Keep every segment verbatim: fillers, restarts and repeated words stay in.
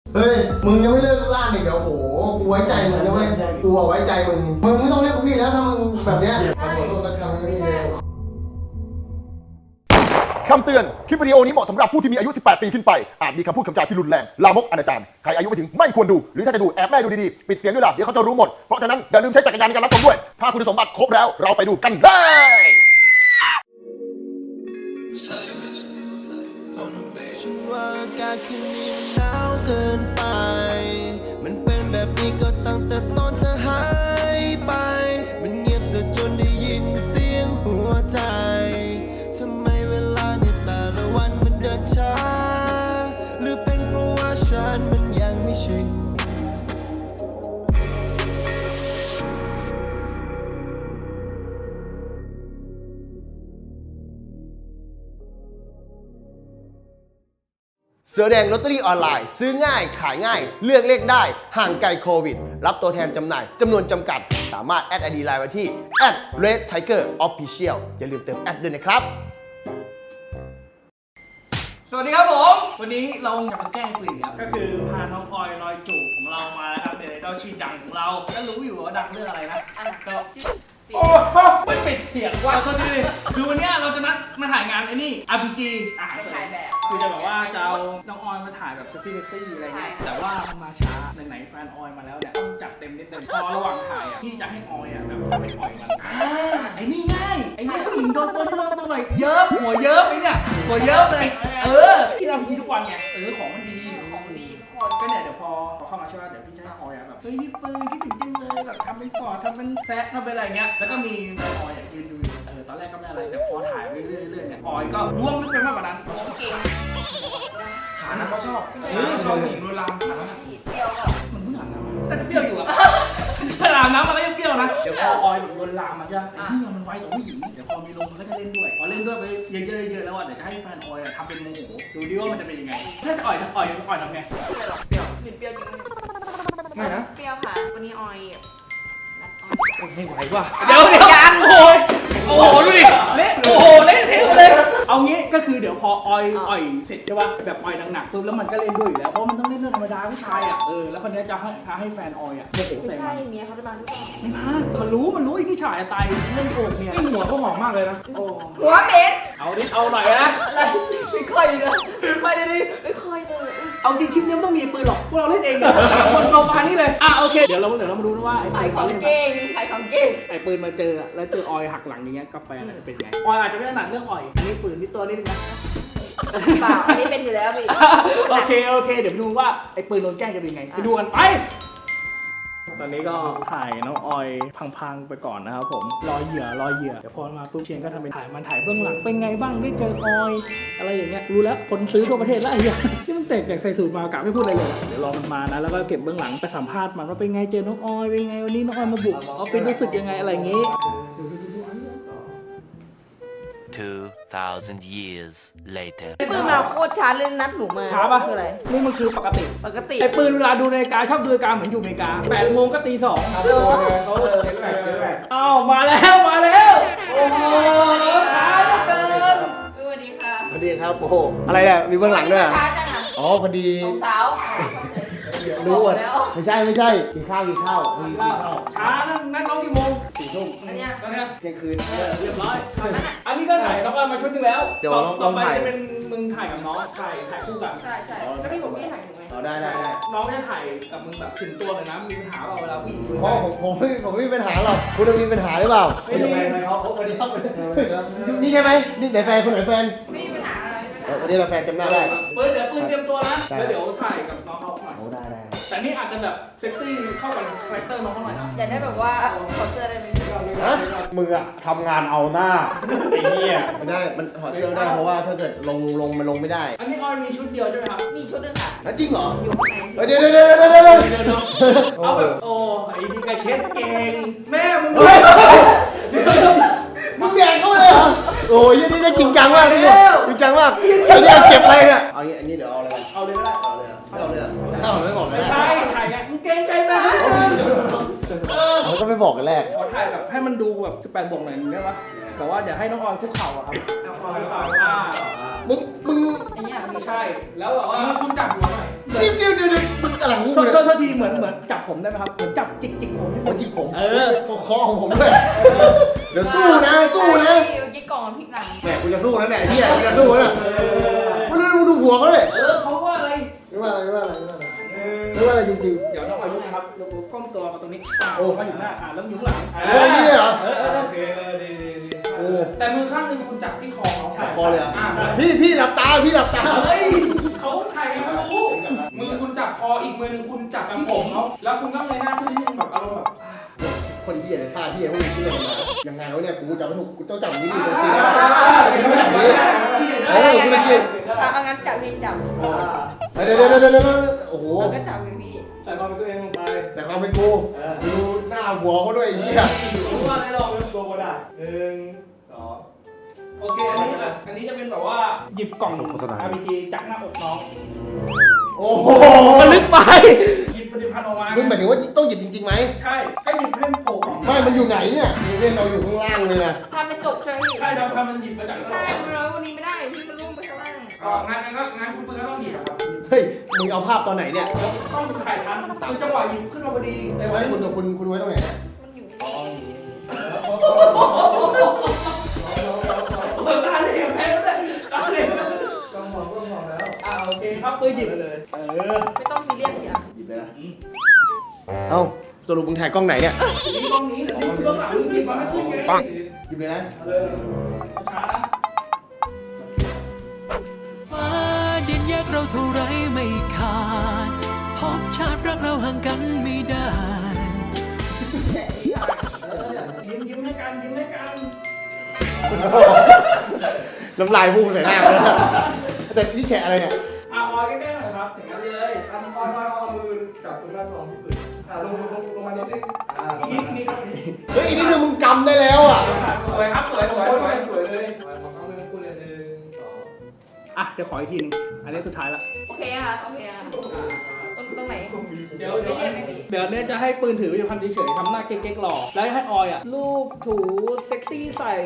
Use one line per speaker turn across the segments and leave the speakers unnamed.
เฮ้ยมึงยังไม่เลิกล่าอีกเดี๋ยวโหกูไว้ใจมึงนะเว้ยกูไว้ใจมึงมึงไม่ต้องเรียกกูพี่แล้วถ้ามึงแบบเนี้ยขอโทษสักครั้งไม่ใช่
คำเตือน คลิปวิดีโอนี้เหมาะสำหรับผู้ที่มีอายุ สิบแปด ปีขึ้นไป อาจมีคำพูดคำจาที่รุนแรง ลามกอนาจาร ใครอายุไม่ถึงไม่ควรดู หรือถ้าจะดูแอบแม่ดูดีๆ ปิดเสียงด้วยล่ะ เดี๋ยวเขาจะรู้หมด เพราะฉะนั้นอย่าลืมใช้จักรยานในการรับชมด้วย ถ้าคุณสมบัติครบแล้ว เราไปดูกันได้
ฉันว่าอากาศคืนนี้มันหนาวเกินไป มันเป็นแบบนี้ก็ตั้งแต่ตอนเธอหายไป มันเงียบเสียจนได้ยินเสียงหัวใจทำไมเวลาในแต่ละวันมันเดินช้า หรือเป็นเพราะว่าฉันมันยังไม่ชิน
เสือแดงลอตเตอรี่ออนไลน์ซื้อง่ายขายง่ายเลือกเลขได้ห่างไกลโควิดรับตัวแทนจำหน่ายจำนวนจำกัดสามารถแอดไอดีไลน์ไว้ที่ แอท เรด ไทเกอร์ ออฟฟิเชียล อย่าลืมเติมแอดด้วยนะครับ
สวัสดีครับผมวันนี้เราจะมาแกล้งกลิ่นครับก็คือพาน้องออยลอยจูบของเรามาแล้วครับเดี๋ยวเราชื่อดังของเราก็รู้อยู่ว่าดังเรื่องอะไรนะก็โอ้โหไม่ปิดเสียงว่าเขาดีคือวันนี้เราจะนัดมาถ่ายงานไอ้นี่ อาร์ พี จี อ่ะถ่ายแบบคือจะแบบว่าจะเอาน้องออยมาถ่ายแบบเซ็กซี่เซ็กซี่อะไรเงี้ยแต่ว่ามาช้าไหนๆแฟนออยมาแล้วเนี่ยต้องจัดเต็มนิดนึงพอระหว่างถ่ายอ่ะพี่จะให้ออยอ่ะแบบไปปล่อยมันไอ้นี่ง่ายไอ้นี่ผู้หญิงโดนตัวนี้โดนตัวหน่อยเยิ้มหัวเยิ้มไอ้เนี่ยหัวเยิ้มเลยเออที่เราพีทุกวันไงเออของมันดีของดีทุกคนก็เนี่ยเดี๋ยวพอพอเข้ามาใช่ไหมเดี๋ยวพี่จะให้ออยแบบเฮ้ยพี่ปืนคิดถึงจังเลยแบบทำเป็นกอดทำเป็นแซะทำเป็นอะไรเงี้ยแล้วก็มีออยยืนดูเออตอนแรกก็ไม่อะไรแต่พอถ่ายไปเรื่อยๆเนี่ยออยก็ร่วงลึกไปมากกว่านั้นเก่งขานั้นก็ชอบเออชอบหญิงโดยรามขานั้นเปรี้ยวก็มันเพิ่งอาบน้ำแต่จะเปรี้ยวอยู่อะถ้าอาบน้ำมันก็ยังเปรี้ยวนะเดี๋ยวพอออยแบบโดนลามมันจะไอ้นี่มันไวต่อผู้หญิงเดี๋ยวพอมีลมมันก็จะเล่นด้วยพอเล่นด้วยไปเยอะๆเยอะๆแล้วอ่ะเดี๋ยวจะให้แฟนออยทำเป็นโมโหดูดิว่ามันจะเป็นยังไงถ้าอ่อยอ่อยอ่อยทำไงเปรี้ยวเปรี้ยวจริงไม่นะ
เปรี้ยวค่ะวันนี้ออยนัดออย
ไม่ไหวว่ะเดี๋ยวเดี๋ยวยังโอ้ยโอ้โหดูดิเละโอ้โหเละเทะเลยเอางี้ก็คือเดี๋ยวพอออยอ่อยเสร็จใช่ป่ะแบบออยหนักๆปุ๊บแล้วมันก็เล่นด้วยอยู่แล้วเพราะมันต้องเล่นเรื่องธรรมดาผู้ชายอ่ะเออแล้วคนนี้จะให้ให้แฟนออยอ่ะโมโห
ไม่
ใส่
ใช่
มัน
เมียเขาจะมาหรือเปล่า
ไม่มามันรู้มันรู้ไอ้ที่ฉายตายเล่นโกงเนี่ยไอ้หัวก็หอมมากเลยนะโอ้
หัวเหม็น
เอาดิเอาหน่อยนะ
อะไรไม่ค่อยเลยไม่ค่อยเลยไม่ค่อยเลย
เอาจริงคลิปนี้ไม่ต้องมีปืนหรอกพวกเราเล่นเองเนี่ยคนเราปานี่เลยอ่ะโอเคเดี๋ยวเราเดี๋ยวเรามาดูนะว่าไอ้
ขายของ
ปืน
เก่งขายของเก่ง
ไอ้ปืนมาเจอแล้วเจอออยหักหลังอย่างเงี้ยกาแฟจะเป็นไงออยอาจจะไม่ถนัดเรื่องออยอันนี้ปืนที่ตัวนิดนึงนะ
เปล่าอันนี้เป็นอยู่แล้วพี่
โอเคโอเคเดี๋ยวไปดูว่าไอ้ปืนโดนแกล้งจะเป็นไงไปดูกันไปตอนนี้ก็ถ่ายน้องออยพังๆไปก่อนนะครับผมรอเหยื่อรอเหยื่อเดี๋ยวพอมาปุ๊บเชียงก็ทำเป็นถ่ายมันถ่ายเบื้องหลังเป็นไงบ้างได้เจอออยอะไรอย่างเงี้ยรู้แล้วคนซื้อทั่วประเทศแล้วไอ้เหี้ยที่มันแตกแต่ใส่สูตรมากะไม่พูดอะไรเลยเดี๋ยวรอมันมานะแล้วก็เก็บเบื้องหลังไปสัมภาษณ์มันว่าเป็นไงเจอน้องออยเป็นไงวันนี้น้องออยมาบุกออฟฟิศรู้สึกยังไงอะไรอย่างงี้
two thousand years later
ปืนมาโคตรช้าเลยนัดหนูมา
ช้าปะ
คืออะไร
นี่มันคือปกติ
ปกติ
ไอ้ปืนเวลาดูนาฬิกาชอบดูนาฬิกาเหมือนอยู่อเมริกาแปดโมงก็ตีสองอ้าวมาแล้วมาแล้วโอ้โหช้าเหลือเกิน
สวัสดีค่ะ
สวัสดีครับโอ้โหอะไรเนี่ยมีเบื้องหลังด้วย
ช้าจังอ่ะ
อ๋อพอดี
สองสาว
รู้หมด
แล้ว
ไม่ใช่ไม่ใช่กินข้าวกินข้าวกินข้าว
ช้านั่นนัดน้องกี่โมง
สี่ทุ่ม
อันเนี้ย
ตอนเนี้ย
เที่ยงคืน
เรียบร้อยอันนี้ก็ถ่ายน้องออยมาชุดนึงแล้ว
เดี๋ยวลอง
ต่อไป
ลองถ่าย
จะเป็นมึงถ่ายกับน้องถ่ายถ่ายคู่กัน
ใช่ใช่แล้วพี่บอกพี่ถ่ายหนูไหม
อ๋อได้ได้ได้
น้องจะถ่ายกับมึงแบบถึงตัวเลยนะมีปัญหาเปล่าเวลาผู้หญิงคุย
เพราะผมผมไม่ผมไม่มีปัญหาหรอกคุณจะมีปัญหาหรือเปล่าไม่มีแฟนเขาสวัสดีครับนี่ใช่ไหมนี่ไหนแฟนคนไหนแฟน
ไม่มีปัญหาอะไรไม่มีปัญหา
วันนี้เราแฟนจำหน้าได้
เปิดเดี๋ยวปืนเตรียมตัวนะแล้วเดี๋ยวถ่ายกับน้องเขาหน่อย
โอ้ได้ได้
แต่นี่อาจจะแบบเซ็กซี่เข้ากับคาแรคเตอร์น้องเขาหน่อยนะ
อยากได้แบบว่าขอเสื้อได้ไหม
ฮะ
มึงอะทำงานเอาหน้า ไอ้เหี้ย
ไม่ได้มันถอดเสื้อไม่ได้เพราะว่าถ้าเกิดลงลงมันลงไม่ได้
อันนี้ออยมีชุดเดียวใช่ไหมครับ
มีชุดนึงค่ะ
แล้วจริงเหรอ
อยู่ข้างใน
เฮ้ยเดี๋ยวเดี๋ยวเดี๋ยวเดี๋ยวเดี๋ยว
เดี๋ยวเนาะเอาแบบโอ้ไอ้ดีกระเช็ดเก่งแม่มึงด้วย
มึงแดงเข้าเลยเหรอโอ้ยนี่นี่จริงจังมากนี่จริงจังมากไอ้นี่เก็บอะไรเนี่ยเอางี้อันนี้เดี๋ยวเอาเลย
เอาเลยก็ได้
เอาเลยเอาเลยถ้าเอาไม่บอกเลย
ใช่ถ่ายไงมึงเก่งใจมาก
เขาก็ไม่บอกกันแรก
ขอถ่ายแบบให้มันดูแบบสิบแปดบวกหน่อยนึงได้ปะแต่ว่าเดี๋ยวให้น้องออยคุกเข่าอะครับน้องออยคุกเข่าอ่า
มึงมึง
อย่างเงี้ย
ไม่ใช่แล้วแบบว่าคุณจับหัวหน่อย
เดี๋ยวเดี๋ยวเดี๋ยวมึงอะไรของ
โท
มึ
ษ
ง
โท
เนี่ย
ษทีเหมือนเหมือนจับผมได้ไหมครับ เหมือนจับจิกจิกผม
หัวจิกผม
เออ
คอของผมด้วย เดี๋ยวสู้นะ สู้นะ
เมื่อกี้กล่องมันพลิกหลัง
แหมกูจะสู้แล้วเนี่ยเฮียกูจะสู้แล้วเนี่ยไม่รู้ดูดูหัวเขาเลย
เออเขาว่าอะไร
ไม่ว่าอะไรไม่ว่าอะไรไม่ว่าอะไรไม่ว่าอะไรจริง
เดี๋ยวน้องอายุนะครับเราก้มตัวมาตรงนี้อ่ามาอยู่หน้าอ่าแล้วอยู่ข้างหลัง
ๆโอ้ยนี่เลยเหรอ
เออเออ
โอเคเออดีดีดี
โอ้
แต่มือข้างหนึงคุณจับที่คอเขา
คอเลยเหรอ่ะ
อ่า
พี่พี่หลับตาพี่หลับตา
เฮ้ยเขาถ่ายกันไม่รู้
มือคุณจับคออีกมือหนึงคุณจับที่ผมเขาแล้วคุณก็เงยหน้าขึ้นนิดนึงแบบอารมณ์แบบ
คนเฮียเลยท่าเฮียพวกนี้ที่ไหนมายังไงวะเนี่ยกูจับไม่ถูกกูต้องจับอย่างนี้ดีจริงๆเออกูไม่เก่ง
เอางั้นจับพี่จับ
เดี๋ยวเดี๋ยวเดี๋ยวเดี๋ยวโอ้โห
แล้วก็จับพี่
ใส่ความเป็นตัวเองลงไป
แต่ความเป็นกูดูหน้าหัวเขาด้วยไอ้เหี้ย
รู้ว่าอะไรหรอก
เริ่มตัวก็ได้หนึ่งสอง
โอเคอันนี้อันนี้จะเป็นแบบว่าหยิบกล่อง
โฆษณา
อาร์ พี จีจากหน้าอกน้อง
โอ้โห
มันลึกไปหยิบผลิตภัณฑ์ออกมา
คุณหมายถึงว่าต้องหยิบจริงๆไหม
ใช่ก็หยิบให้มันโผล่กล่อง
ไม่มันอยู่ไหนเนี่ยเล่นเราอยู่ข้างล่างเลยนะ
ทำเป็นจบใช่ไหมพี่
ใช่เราทำมันหยิบมาจาก
ใช่มันร้อยวันนี้ไม่ได้พี่มันร่วงไปข้างล่าง
เอองานนั้นก็งานคุณปืนก็ต้องหยิบอะครับ
เฮ้ยมึงเอาภาพตอนไหนเนี่ย
แล้วต้องถ่ายทันคือจังหวะหยิบขึ้นมาพอดีเลย
ไว้คุณคุณคุณไว้ตรงไหนเนี่ย
มันอยู่
อ๋อ
ตาเหลี่ยมแพ้เลยตาเหลี่ยม
ต้องมองต้องมองแล้ว
อ่าโอเคครับปืนหยิบเลยเออ
ไม่ต้องซีเรียสพี่อ่ะ
หยิบเลยนะเอ้าสรุปมึงถ่ายกล้องไหนเนี่ย
นี่กล้องนี้นี่คือกล้องหลังหยิบมาไม่ขึ้นไง
ปังหยิบเลยนะ
เอาเลย
ช้านะ
ฟ้าดินแยกเราเท่าไรไม่ขาดพบชาติรักเราห่างกันไม่ได้
ยิ้มยิ้มให้กันยิ้มให้กัน
น้ำลายพุ่งใส่หน้าเลยนะแต่นี่แฉะอะไรเนี่ย
อ่ะวอยใกล้ๆหน่อยครับถึงนั้นเลย
ทำก้อนก้อนเอามือจับตรงหน้าท้องพี่ปืนอ่าลงลงลงลงมานิดนึงอ่าลง
นี่
มา
นี่ครับ
เฮ้ยอีกนิดนึงมึงกำได้แล้วอ่ะ
สวยครับสวยสวย
โอ้ย
สวย
สวยเลยมองเขาเลยพูดเลยหนึ่งสอง
อ่ะเดี๋ยวขออีกทีนึงอันนี้สุดท้ายละ
โอเคค่ะโอเคค่ะตรงตรงไหน
เดี๋ยว
ไม่
เดี๋ยว
เรียกไหมพี่
เดี๋ยวเนี่ยจะให้ปืนถืออยู่พันเฉยๆทำหน้าเก๊กๆหล่อแล้วให้ออยอ่ะลูบถูเซ็กซี่ใส่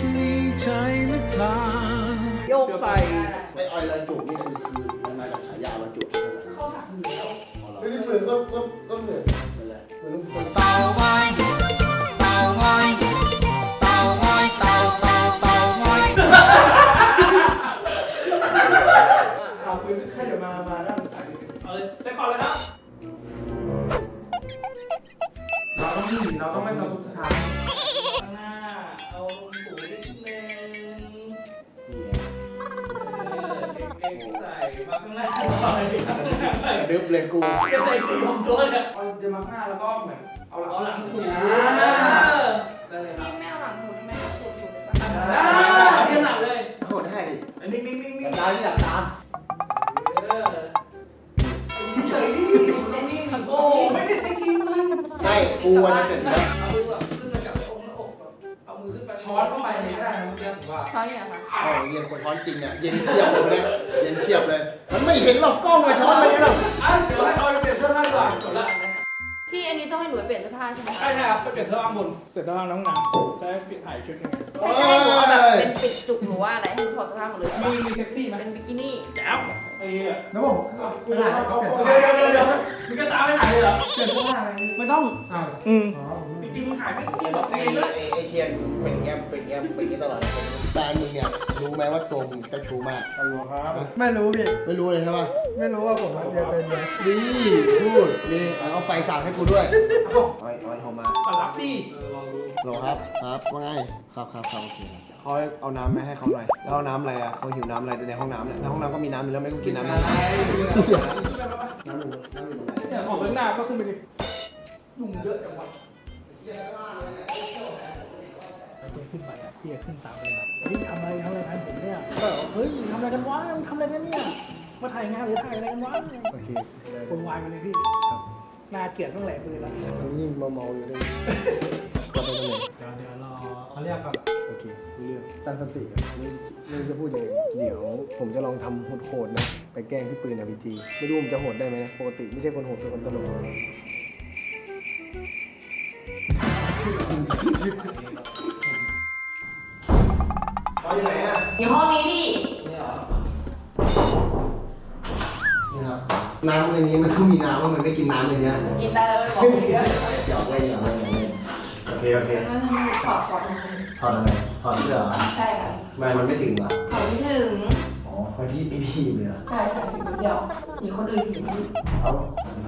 โยกใส่
ไอออยลอยจูบนี่คือคือมันมาจากฉายาลอยจูบ
เข้าสักอยู่แล้ว
เฮ้ยเหมือนก็ก็ก็เหมือนเหมือนอะไรเหมือนคน
เต่าไว้เต่าไว้เต่าไว้เต่าเต่าเต่าไว้
อ่าปืนใครจะมามาด้านซ้ายนิดนึง
เอาเลยไปก่อนเลยครับ
เราต้องหนีเราต้องไม่สะทุกสถาน
ข้างหน้าเอาลงสูงนิดนึงเก๊กๆใส่มาข้างหน้าหน่อยข้างหน้าใส่
ดึบเลยกู
จะใส่สีผมตัวเนี่ย
เอาเดินมาข้างหน้าแล้วก็เหมือนเอาหลัง
เอาหลังถู
ได้เลยครับ
พี่ไม่เอาหลังถูกไหมครับถูกถูกเลยปะ
อ่าเทียบหนักเลย
โคตรให้ดิ
นิ่งนิ่งนิ่งนิ่ง
ตาที่หลับตา
เออเฉยดินิ่งโอ้ไม่ใช่ที่ทีมึง
ใช่กูวันจะเสร็จแล้ว
เอามือแบบขึ้นมาจับอกหน้าอกแบบเอามือขึ้นมา
ช้อนเข้าไปเลยก็ได้นะเมื่อกี้ผมว่า
ช้อนเนี่ยค่ะ
อ๋อเย็นคนช้อนจริงอ่ะเย็นเฉียบเลยเนี่ยเย็นเฉียบเลย มันไม่เห็นหรอกกล้องมาช้อนมันหรอก
อ่ะเดี๋ยวให้ออยเปลี่ยนเสื้อผ้าก่อนจบละ
พี่อันนี้ต้องให้หนูไปเปลี่ยนเสื้อผ้าใช่ไหม
ใช่ครับไปเปลี่ยนเสื้อผ้าบนเปลี่ยนเสื้อผ้าน้องน้ำจะได้เปลี่ยนถ่ายชุดยังไง
ใช่จะให้หนูเอาแบบเป็นปิดจุกหรือว่าอะไรให้หนูถอดเสื้อผ้าหมดเลย
มีมีเซ็กซี่ไหม
เป็นบิกินี่
แจ๋วไอ้เหี้ย
แล้วผมปืนเขาเปลี่ยน
เดี๋ยวเดี๋ยวเดี๋ยวมีกระตาไม่ถ่ายเลยเหรอ
เปลี่ยนเสื้อผ้าอะไร
ไม่ต้อง
อ้าว
อืม
อ๋อ
จริงๆมันถ่ายไม่
ไอ้แบบไอ้ไอ้ไอ้เชียนเป็นอย่างเงี้ยเป็นอย่างเงี้ยเป็นอย่างเงี้ยตลอดเลยแฟนมึงเนี่ยรู้ไหมว่าตัวมึงเจ้าชู้มาก
ฮัลโหลครับ
ไม่รู้พี่
ไม่รู้เลยใช่ปะ
ไม่รู้ว่าผมรักเดียวเป็นเลย
ดีพูดนี่เอาไฟสาดให้กูด้วยออยออยโทรมา
ก็รับดิ
เออลองดู
โหลครับครับว่าไงครับครับครับโอเคเขาเอาน้ำมาให้เขาหน่อยแล้วเอาน้ำอะไรอ่ะเขาหิวน้ำอะไรในห้องน้ำเนี่ยในห้องน้ำก็มีน้ำอยู่แล้วไม่ต้องกินน้ำในห้องน้ำน้ำหนึ่งน้ำหนึ่งอะไร
เนี่ยออกไปหน้าก็ขึ้นไปดิ
ยุ่งเยอะจังวะ
ขึ้นไปอ่ะพี่ขึ้นตามไปเลยเฮ้ยทำอะไรทำอะไรทำผมเนี่ยก็เฮ้ยทำอะไรกันวะทำอะไรกันเนี่ยมาถ่ายงานหรือถ่ายอะไรกันวะ
โอเค
คนวายไปเลยพี่น่าเกลียดตั้งแหล่ปืนแล้ว
ตอนนี้ยิ่งเมาๆอยู่เลยก็ไปตรงไหน
เดี๋ยวเดี๋ยวรอเขาเรียกก่อน
โอเครู้เรื่องตั้งสติกันไม่ไม่รู้จะพูดยังไงเดี๋ยวผมจะลองทำโหดๆนะไปแกล้งพี่ปืนอะพีจีไม่รู้ผมจะโหดได้ไหมนะปกติไม่ใช่คนโหดเป็นคนตลกเขาอยู่ไหนอ่ะ
อยู่ห้องนี้พี่
นี่เหรอนี่ครับน้ำในนี้มันต้องมีน้ำว่ามันไม่กินน้ำในนี้
กินได้แล้วไม่บอกเยอะ
หยอกเล่นหยอกเล่นหยอกเล่นโอเคโอเค
ถอดถอด
ถอดอะไรถอดเสื้อเหรอ
ใช่ค่ะ
ทำไมมันไม่ถึงวะ
ถอดไม่ถึง
อ๋อเพราะพี่พี่พี่อยู่เลยเหรอ
ใช่ใช่ถึงเดียวมีคนอื่นอยู่
เอ้า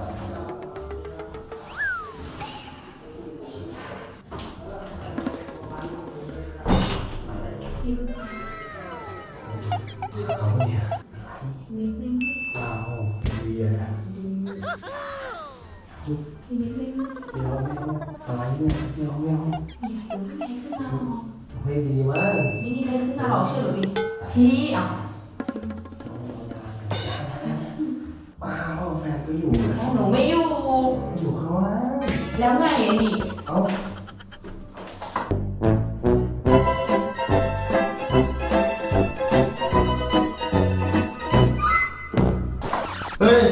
พี่
เอาเนี่ย
นิดนึง
ว้าวดีอะนะ
พี่นิดนึง
เดี๋ยวไม่เอาอะไรเนี่ยเดี๋ยวไม่เอา
มีอะไรขึ้นมาหรอ
ไม่ดีมาก
ไม่มีอะไรขึ้นมาหรอกเชื่อหรือดิพี่อ่ะ
บ้าเปล่าแฟนก็อยู่นะ
แม่หนูไม่อยู่
อยู่เขานะ
แล้วไงไอ้นี่
เอ้าเฮ้ย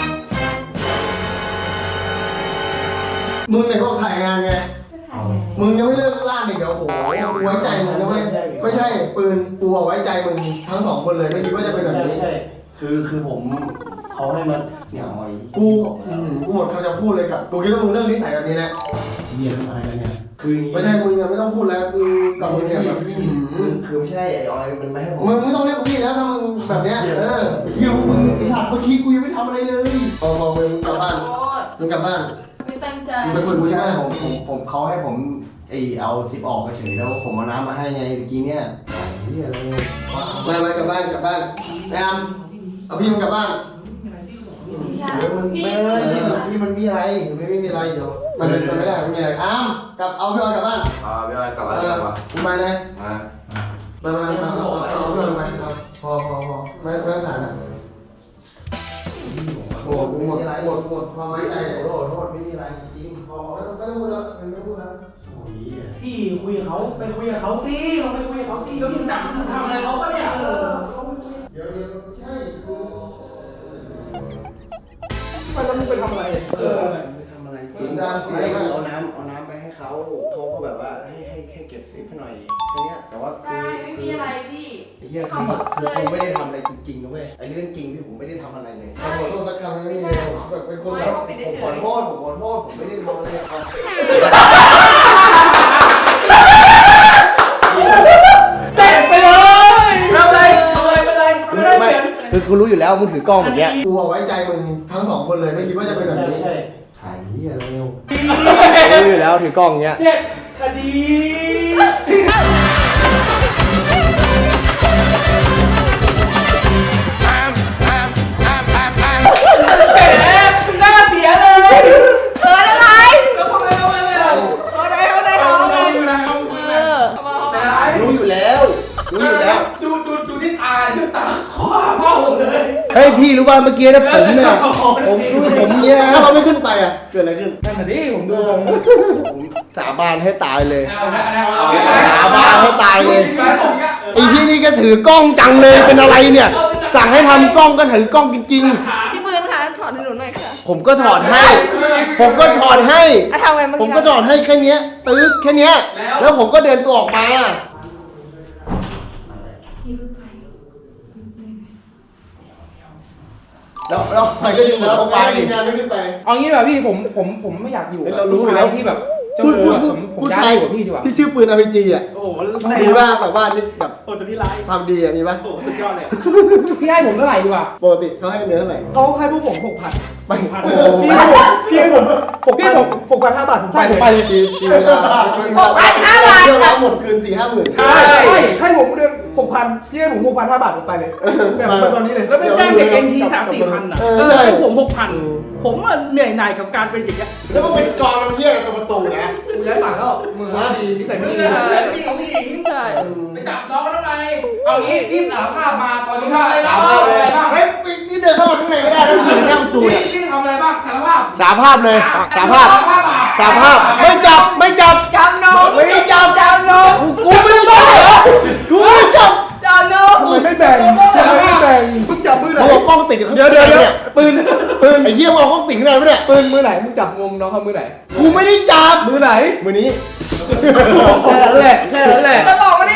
มึงไหนบอกถ่ายงานไง มึงยังไม่เลิกล่าอีกเดี๋ยวโอ้โหกูไว้ใจมึงนะเว้ยไม่ใช่ปืนกูเอาไว้ใจมึงทั้งสองคนเลยไม่คิดว่าจะเป็นแบบนี้
ใช่คือคือผมเขาให้มาเนี่ยเอาไอ้
กูอืมกูหมดคำจะพูดเลยกับกูคิดว่ามึงเลิกนิสัยแบบนี้แหละ
เรียนอะไรกันเนี่ยคือ
ไม่ใช่มึงยังไม่ต้องพูดแล้วกูกับมึงเนี่ยแบบ
คือคือไม่ใช่ไอ้ออยมันไม่ให้ผม
มึงไม่ต้องเรียกกูพี่แล้วถ้ามึงแบบเนี้ยเออเฮียพวกมึงไอ้สัตว์เมื่อกี้กูยังไม่ทำอะไรเลยพอพอมึงกลับบ้าน
โทษ
มึงกลับบ้าน
ไม่ตั้งใจ
มึงไปคุยกูใช่ไหม
ผมผมผมเขาให้ผมไอเอาซิปออกเฉยแล้วผมเอาน้ำมาให้ไงเมื่อกี้เนี่ยเฮียอะไร
ไปไปกลับบ้านกลับบ้านแอมเอาพี่มึงกลับบ้าน
ไม่ใช่
เดี๋ยวมัน
พี่
ไม่
ปืน
พี่มันมีอะไร
ไม่ไม่มีอะไรเดี๋ยวมันมันไม่ได้มันไม่มีอะไรอ้ามกลับเอาพี่ออยกลับบ้าน
อ่าพี่อ้อยกลับมา
เอ
ดี
อก
ว่า
กูมาเลย
มา
มามามาเอาเอาพี่ออยมาเอาพอพอพอไม่ไม่ต้องถ่ายนะโอ้โหกูหมดหมดหมดความไว้ใจ
โทษโทษไม่มีอะไรจริง
พอไม่ต้องไม่ต้องพูดแล้วไม่ต้องพูดแล้ว
โอ้ย
พี่คุยกับเขาไปคุยกับเขาสิเราไปคุยกับเขาสิแล้วมึงจับมึงทำอะไรเขาปะเนี่ยเออ
เดี๋ยวเดี๋ยวใช่กู
ไปแล้วมึงไปทำอะไร
เออ
ไม่ทำอะไรจริงให้เอาน้ำเอาน้ำไปให้เขาเขาก็แบบว่าให้ให้ให้เก็บซิปให้หน่อยแค่เนี้ยแต่ว่าคื
ใช่
อ
ไม่มีอะไรพี่
ไอ้เหี้ยคือคือผมไม่ได้ทำอะไรจริงๆนะเว้ยไอ้เรื่องจริงที่ผมไม่ได้ทำอะไรเลย
ขอโทษสักคำไม่มีเลยแบบเป็นคน
ไม่
แบบ
เขาปิด
ผ
เฉ
มขอย โทษผมขอโทษผมไม่ได้ทำอะไรเอา
เตะไปเลยทำอะไรทำอะไรไปเลยไม่ได้
ไม่
เสียง
คือกูรู้อยู่แล้วมึงถือกล้องแบบเนี้ย
กูเอาไว้ใจมึงทั้งสองคนเลยไม่คิดว่าจะเป็นแบบนี้
ถ่ายนี่อะไรเร็วรู้อยู่แล้วถือกล้องเงี้ย
เจ็ดคดี แหมหน้าเสียเลย
เอออะไร
แล้วทำไมทำไมเนี่ย
เอาได้เอาได้
เอา
เอา
เอา
ได้
อยู่นะเอาอยู่
เอ
นะ
อเอามาเอามา
ไหน
รู้อยู่แล้วรู้อยู่แล้ว
ดูดูดูที่ตาดูตาคว้าเบ้าเลย
เฮ้ยพี่รู้ป่ะเมื่อกี้นะผมเนี่ยผมผมเนี่ย
ถ้าเราไม่ขึ้นไปอ่ะเกิดอะไรขึ้น
นั่นน่ะดิผมดูผม
ผมสาบานให้ตายเลย
เอาละเอาละเอา
สาบานให้ตายเลย
ไอ้
ไอ้ที่นี่ก็ถือกล้องจังเลยเป็นอะไรเนี่ย สั่งให้ทำกล้องก็ถือกล้องจริง
พี่ปืนคะถอดให้หนูหน่อยค่ะ
ๆ ผมก็ถอดให้ ผมก็ถอดให้
อ่ะทำไงเมื่อ
ผม
กี้
ก็ถอดให้แค่เนี้ยตึ๊กแค่เนี้ยแล้วผมก็เดินตัวออกมา แล้วแล้วใครก็ดึงผมเข้าไป
งานไม่ขึ้นไป
เอางี้ดีกว่าพี่ผมผมผมไม่อยากอยู่
เรารู้อยู่แล้ว
ที่แบบเจ้า
พูด
โม
พูด
อะ
พูด
ผมผม
พูด
ย้า
ไท
ย
ย
อยู่กับพี่ดีกว่า
ที่ชื่อปืน อาร์ พี จี อ่ะ
โอ้โห
มีว่าแบบว่านี่แบบ
โอ้ตัวที่ไลฟ์
ทำดีอ่ะมีป่ะ
โอ้สุดยอดเลยพี่ให้ผมเท่าไหร่ดีกว่า
ปกติเขาให้เนื้อเท่าไหร่
เขาให้พวกผมหกพัน
ไป
พี่พี่ผมหก
พี่
พัน
ผม
หกพันห้าบาทผม
ใช่
จ่าย
ผมไปเลย
จีจีเวลา
หกพันห้าบาท
เที่ยวแล้วหมดคืนสี่ห้าหมื่น
ใช่
ให้ผมเดือนหกพันพี่ให้ผมหกพันห้าบาทผมไปเลยแบบมาตอนนี้เลย
แล้วไปจ้างเด็กเอ็นทีสามสี่พันอ่ะ
เออ
เออ
ใช่
ให้ผมหกพันผมอะเหนื่อยหน่ายกับการเป็นอย่างเงี้ย
แล้วมันเป็นกองน้ำเที่ยวกับประตูนะ
กูย้ายฝั่งแล้วมือไม่ดีนิสัยไม่ดี
เออพี่ของพี่หญิง
ใช่
ไปจับน้องเขาทำไมเอางี้พี่สารภาพมาตอนนี้ว่า
สามภาพเลย
อะไรบ้าง
เฮ้ยนี่เดินเข้ามาข้างในไม่ได้แล้วอยู่ในหน้าประตู
พี่
เนี่ย
พี่ทำอะไรบ้างสารภาพ
สาภาพเลยสาภาพ
สารภาพอ่ะ
สาภาพไม่จับไม่จับ
จับนม
ไม่ได้จับ
จับนม
กูไม่ได้จับกูไม่ได้จับ
จับนม
ทำไมไม่แบ่งทำไมไม่แบ่งมึงจับมือไหน
เขาบอกกล้องติดอยู่ข้างใน
เดี๋ยวเดี๋ยวเดี๋ยว
เนี่ย
ปืนปืน
ไอ้เหี้ยมึงเอากล้องติดข้างในไหมเนี่ย
ปืนมือไหนมึงจับงมน้องเขามือไหน
กูไม่ได้จับ
มือไหน
มือนี้
แค่นั้นแหละแค่นั้นแหละ
จะบอกว่าได้จับ
โ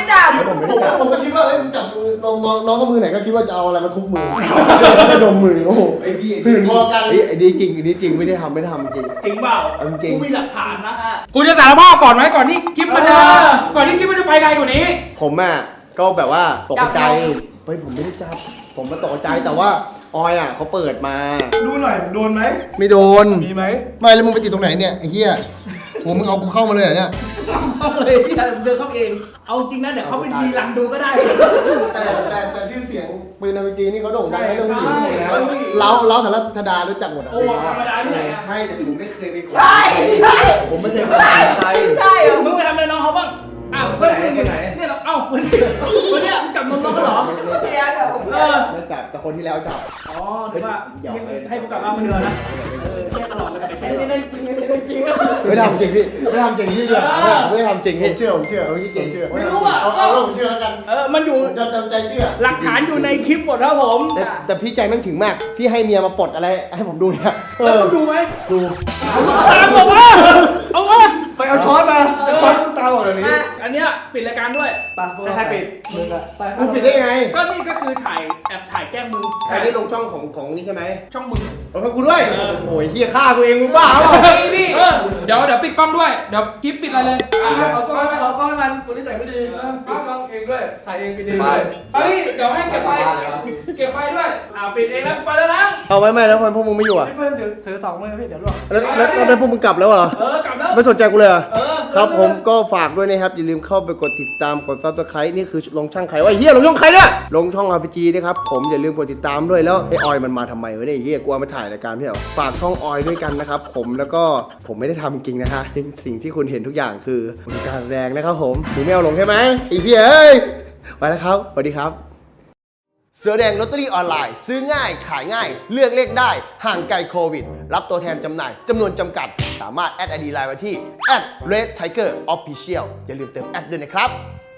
ผมไม่ได้จับผมก็คิดว่าเอ้ยมึงจับมือน้องน้องน้องก็มือไหนก็คิดว่าจะเอาอะไรมาทุบมือไม่ดมมือโอ้โห
ไอ้พี่
ตื่นพอกันไอ้ดีจริงไอ้ดีจริงไม่ได้ทำไม่ได้ทำจริง
จริงเปล่า
จริง
กูมีหลักฐานนะ
คุณจะสารภาพก่อนไหมก่อนที่คลิปมันจะก่อนที่คลิปมันจะไปไกลกว่านี้
ผมอ่ะก็แบบว่าตกใจเฮ้ยผมไม่ได้จับผมมาตกใจแต่ว่าออยอ่ะเขาเปิดมา
ดูหน่อยโดนไหม
ไม่โดน
มีไหม
ไม่แล้วมึงไปติดตรงไหนเนี่ยไอ้เหี้ยโหมึงเอากูเข้ามาเลยเหรอเนี่ย
เข้าเลยที่เดินเข้าเอง เอาจริงนะเดี๋ยวเขาไปทีหลังดูก็ได้
แต่แต่แต่ชื่อเสียงปืนอาร์พีจีนี่เขาโด่งดัง
ใช่
เรื่องผู้หญิง
ใช่
แล้วเล้าเล้าสารธดารู้จักหมดอ่ะ
โอ้ธรรมดาที่ไหนอะ
ใช่แต่ผมไม่เคยไปกด
ใช่ใช่
ผมไม่เคยไปใคร
ใช่เหรอ
มึงไปทำอะไรน้องเขาบ้าง อ้าวเพื่อนคุณเนี่ยเราเอ้าคนนี้คนเนี้ยมึงจับนมน้องเขาเหรอ
เพียงเหรอผม
เออ
ไม่จับแต่คนที่แล้วจับ
อ๋อถือว่าให้ให้กูกลับมาคนเดียวนะ เออแค่ตลอดเลยไป
ไม่
แค่
ได้จริงไม่ได้จริง
ไม่ทำจริงพี่ไม่ทำจริงพี่เชื่อไม่ทำจริงพี่เชื่อผมเชื่อผมเก่งเชื่อ
ไม่รู้อ่ะ
เอาเอาแล้วผมเชื่อแล้วกัน
เออ มันอยู่
ผมจะจำใจเชื่อ
หลักฐานอยู่ในคลิปหมดครับผม
แต่แต่พี่ใจแม่งถึงมากพี่ให้เมียมาปลดอะไรให้ผมดูเนี่ยเอ
แล้ว
อ
มึงดูไหม
ดู
ตามบอกว่าเอาวะ
ไปเอาช้อนมาช้อนตาบอกแบบนี้
อันเนี้ยปิดรายการด้วย
ไปพวกเรา
ใครปิด
มึงอะไป
มึงปิดได้ยังไง
ก็นี่ก็คือถ่ายแอบถ่ายแกล้งมึง
ใครได้ลงช่องของของนี่ใช่ไหม
ช่องมึง
ลงช่องกูด้วยโอ้ยเฮียฆ่าตัวเองมึงบ้าเปล่า
พี่พี่เดี๋ยวเดี๋ยวปิดกล้องด้วย เดี๋ยวคลิปปิดอะไรเลย
เอาก้อนเอาก้อนมันคนที่ใส่ไม่ดีปิดกล้องเองด้วยถ่ายเองปิดเองด้วย
เฮ้ยเดี๋ยวให้เก็บไฟเก็บไฟด้วย
อ่าปิดเองแล้วไปแล้วนะ
เอาไว้ไม่แล้วพวกมึงไม่อยู่อ่ะ
พี่เพื่อนถือถือสองมือพี่เดี๋ยวลวก
แล้วแล้วแล้วแล้วพวกมึงกลับแล้วเหรอ
เออกลับแล้ว
ไม่สนใจกูเลยเหรอ
เออ
ครับผมก็ฝากด้วยนะครับ อย่าลืมเข้าไปกดติดตามกดซับสไครต์นี่คือลงช่างใครวะไอ้เฮียลงช่องใครเนี่ยลงช่อง อาร์ พี จี นะครับผมอย่าลืมกดติดตามด้วยแล้วไอ้ออยมันมาทำไมวะเนี่ยไอ้เฮียกลัวมาถ่ายรายการพี่เหรอฝากช่องออยด้วยกันนะครับผมแล้วก็ผมไม่ได้ทำจริงนะฮะสิ่งที่คุณเห็นทุกอย่างคือการแสดงนะครับผมมึงไม่เอาลงใช่ไหมไอ้เฮียเอ้ยไปแล้วครับสวัสดีครับเสือแดงลอตเตอรี่ออนไลน์ซื้อง่ายขายง่าย เลือกเลขได้ห่างไกลโควิด รับตัวแทนจำหน่ายจำนวนจำกัด สามารถแอดไอดีไลน์ไว้ที่ แอท เรดไทเกอร์ ออฟฟิเชียล อย่าลืมเติมแอดด้วยนะครับ